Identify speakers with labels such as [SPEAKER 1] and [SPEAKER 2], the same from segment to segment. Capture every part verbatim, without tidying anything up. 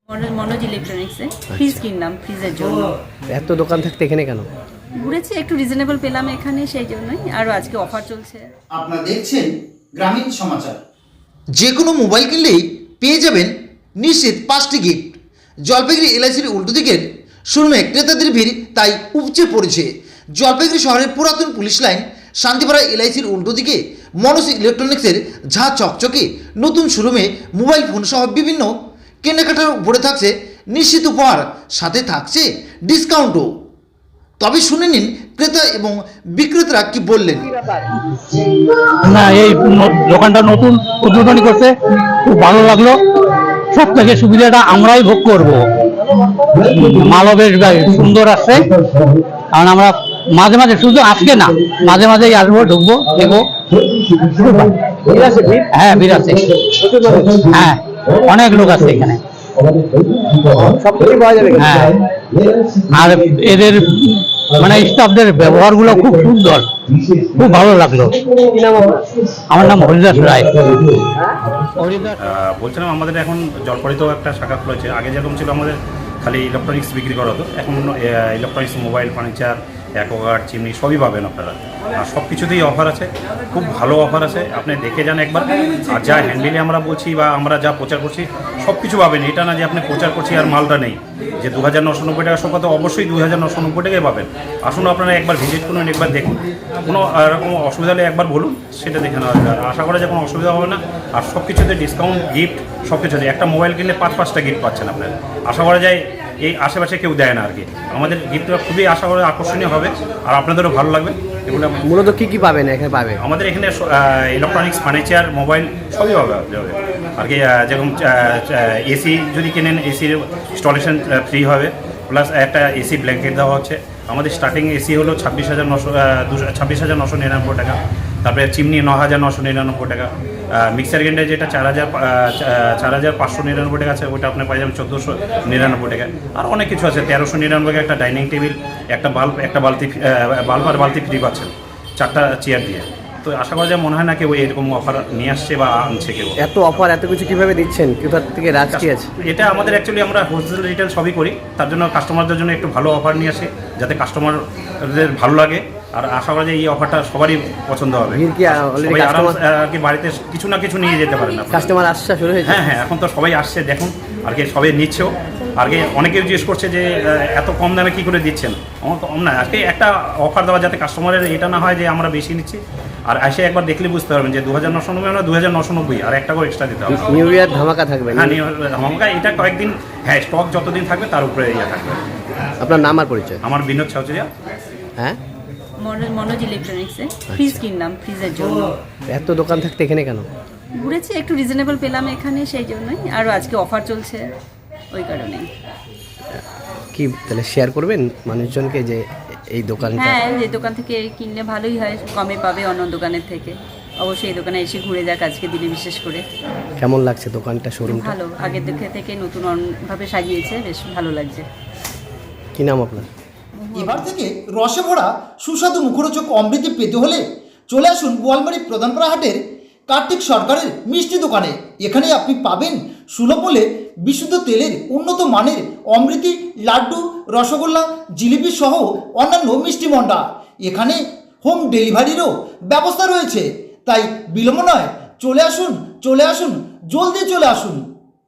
[SPEAKER 1] Manoj ইলেকট্রনিক্সে fridge কিনলাম, ফ্রিজের জন্য।
[SPEAKER 2] এত দোকান থাকতে এখানে কেন?
[SPEAKER 1] ঘুরেছি, একটু রিজনেবল পেলাম এখানে, সেই জন্যই। আরও আজকে অফার চলছে।
[SPEAKER 3] আপনারা দেখছেন গ্রামীণ সমাচার।
[SPEAKER 4] যে কোনো মোবাইল কিনলেই পেয়ে যাবেন নিশ্চিত পাঁচটি গিফট। জলপাইগুড়ি এলআইসির উল্টো দিকের শোরুমে ক্রেতাদের ভিড় তাই উপচে পড়েছে। জলপাইগুড়ি শহরের পুরাতন পুলিশ লাইন শান্তিপাড়া এলআইসির উল্টো দিকে মনোজ ইলেকট্রনিক্সের ঝাঁ চকচকে নতুন শোরুমে মোবাইল ফোন সহ বিভিন্ন কেনাকাটার উপরে থাকছে নিশ্চিত উপহার, সাথে থাকছে ডিসকাউন্টও। তবে শুনে নিন ক্রেতা এবং বিক্রেতারা কি বললেন।
[SPEAKER 5] না, এই দোকানটা নতুন উদ্বোধনী করতে খুব ভালো লাগলো। সব থেকে সুবিধাটা আমরাই ভোগ করব। মালও বেশ সুন্দর আসছে, কারণ আমরা মাঝে মাঝে, শুধু আজকে না, মাঝে মাঝেই আসবো, ঢুকবো, দেখবো। হ্যাঁ, ভিড় আছে। হ্যাঁ, অনেক লোক আছে এখানে। হ্যাঁ, আর এদের মানে স্টাফদের ব্যবহার গুলো খুব সুন্দর, খুব ভালো লাগলো। আমার নাম হরিদাস রায়।
[SPEAKER 6] বলছিলাম আমাদের এখন জলপাইগুড়িতেও একটা শাখা খুলেছে। আগে যেরকম ছিল আমাদের খালি ইলেকট্রনিক্স বিক্রি করা হতো, এখন electronics, mobile, furniture, Aquaguard, chimney সবই পাবেন আপনারা। আর সব কিছুতেই অফার আছে, খুব ভালো অফার আছে। আপনি দেখে যান একবার। আর যা হ্যান্ডেলে আমরা বলছি বা আমরা যা প্রচার করছি সব কিছু পাবেন। এটা না যে আপনি প্রচার করছি আর মালটা নেই, যে দু হাজার নশো নব্বই টাকা সব কথা, অবশ্যই দু হাজার নশো নব্বই টাকাই পাবেন। আসুন আপনারা একবার ভিজিট করুন, একবার দেখুন। কোনো এরকম অসুবিধা হলে একবার বলুন, সেটা দেখে নেওয়া যাবে। আশা করা যায় কোনো অসুবিধা হবে না। আর সব কিছুতে ডিসকাউন্ট, গিফট সব কিছুতে। একটা মোবাইল কিনলে পাঁচ পাঁচটা গিফট পাচ্ছেন আপনারা। আশা করা যায় এই আশেপাশে কেউ দেয় না আর কি। আমাদের গিফটটা খুবই আশা করা আকর্ষণীয় হবে, আর আপনাদেরও ভালো লাগবে। এগুলো
[SPEAKER 2] মূলত কি কি পাবেন এখানে? পাবে
[SPEAKER 6] আমাদের এখানে ইলেকট্রনিক্স, ফার্নিচার, মোবাইল সবই পাবে আর কি। যেরকম এসি যদি কেনেন, এসির ইনস্টলেশন ফ্রি হবে, প্লাস একটা এসি ব্ল্যাঙ্কেট দেওয়া হচ্ছে। আমাদের স্টার্টিং এসি হলো ছাব্বিশ হাজার নশো দুশো ছাব্বিশ হাজার নশো নিরানব্বই টাকা। তারপরে চিমনি ন হাজার নশো নিরানব্বই টাকা। মিক্সার গ্রাইন্ডার যেটা চার হাজার চার হাজার পাঁচশো নিরানব্বই টাকা আছে, ওটা আপনার পাই যাবেন চোদ্দোশো নিরানব্বই টাকা। আর অনেক কিছু আছে, তেরোশো নিরানব্বই টাকা একটা ডাইনিং টেবিল, একটা বাল্ব, একটা বালতি, বাল্ব আর বালতি ফ্রি পাচ্ছেন, চারটা চেয়ার দিয়ে। তো আশা করা যায়, মনে হয় না কেউ এরকম অফার নিয়ে আসছে বা আনছে কেউ।
[SPEAKER 2] এত অফার, এত কিছু কিভাবে দিচ্ছেন? কোথা থেকে রাজ কি আছে?
[SPEAKER 6] এটা আমাদের অ্যাকচুয়ালি আমরা হোলসেল রিটেল সবই করি, তার জন্য কাস্টমারদের জন্য একটু ভালো অফার নিয়ে আসি, যাতে কাস্টমারদের ভালো লাগে। আর আশা করা যায় এই অফারটা সবারই পছন্দ হবে। সবাই আরাম আর কি বাড়িতে কিছু না কিছু নিয়ে যেতে পারেন।
[SPEAKER 2] কাস্টমার আসছে শুরু হয়েছে?
[SPEAKER 6] হ্যাঁ হ্যাঁ, এখন তো সবাই আসছে, দেখুন আর কি, সবাই নিচ্ছেও। আর কি অনেকেও জিজ্ঞেস করছে যে এত কম দামে কী করে দিচ্ছেন। আমার কম না, আজকে একটা অফার দেওয়া, যাতে কাস্টমারের এটা না হয় যে আমরা বেশি নিচ্ছি। আর এসে একবার দেখলে বুঝতে পারবেন যে দু হাজার নশো নব্বই আমরা দু হাজার নশো নব্বই আর একটা করে এক্সট্রা দিতে হবে।
[SPEAKER 2] নিউ ইয়ার ধামাকা থাকবে?
[SPEAKER 6] হ্যাঁ, নিউ ইয়ার ধামাকা। এটা কয়েকদিন, হ্যাঁ, স্টক যতদিন থাকবে তার উপরে ইয়ে থাকবে।
[SPEAKER 2] আপনার নাম আর পরিচয়?
[SPEAKER 6] আমার বিনোদ চৌচুরিয়া।
[SPEAKER 2] হ্যাঁ,
[SPEAKER 1] মনোজ ইলেকট্রনিক্সে ফ্রিজ কিনলাম, ফ্রিজের জন্য।
[SPEAKER 2] এত দোকান থাকতে এখানে কেন?
[SPEAKER 1] ঘুরেছি, একটু রিজনেবল পেলাম এখানে, সেই জন্যই। আরও আজকে অফার চলছে, ওই কারণেই।
[SPEAKER 2] কি তাহলে শেয়ার করবেন মানুষজনকে যে এই দোকানটা?
[SPEAKER 1] হ্যাঁ, যে দোকান থেকে কিনলে ভালোই হয়, কমে পাবে অন্য দোকানের থেকে। অবশ্যই এই দোকানে এসে ঘুরে যাক আজকে দিনে, বিশেষ করে।
[SPEAKER 2] কেমন লাগছে দোকানটা, শোরুমটা?
[SPEAKER 1] ভালো, আগের দিকে থেকে নতুন ভাবে সাজিয়েছে, বেশ ভালো লাগছে।
[SPEAKER 2] কি নাম আপনার?
[SPEAKER 3] এবার থেকে রসে ভরা সুস্বাদু মুখরোচক অমৃতি পেতে হলে চলে আসুন গোয়ালমারি প্রধানপাড়া হাটের কার্তিক সরকারের মিষ্টি দোকানে। এখানে আপনি পাবেন সুলভ মূল্যে বিশুদ্ধ তেলের উন্নত মানের অমৃতি, লাড্ডু, রসগোল্লা, জিলিপি সহ অন্যান্য মিষ্টি মন্ডা। এখানে হোম ডেলিভারিরও ব্যবস্থা রয়েছে, তাই বিলম্ব নয়, চলে আসুন, চলে আসুন, জলদি চলে আসুন।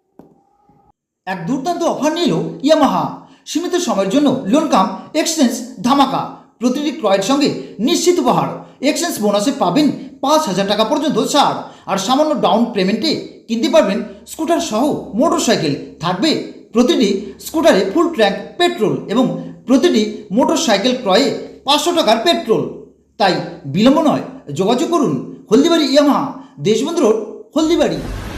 [SPEAKER 3] এক দুর্দান্ত অফার নিল ইয়ামাহা। সীমিত সময়ের জন্য লোন কাম এক্সচেঞ্জ ধামাকা। প্রতিটি ক্রয়ের সঙ্গে নিশ্চিত উপহার। এক্সচেঞ্জ বোনাসে পাবেন পাঁচ হাজার টাকা পর্যন্ত ছাড়। আর সামান্য ডাউন পেমেন্টে কিনতে পারবেন স্কুটার সহ মোটর সাইকেল। থাকবে প্রতিটি স্কুটারে ফুল ট্যাঙ্ক পেট্রোল এবং প্রতিটি মোটর সাইকেল ক্রয়ে পাঁচশো টাকার পেট্রোল। তাই বিলম্ব নয়, যোগাযোগ করুন হলদিবাড়ি ইয়ামাহা, দেশবন্ধু রোড, হলদিবাড়ি।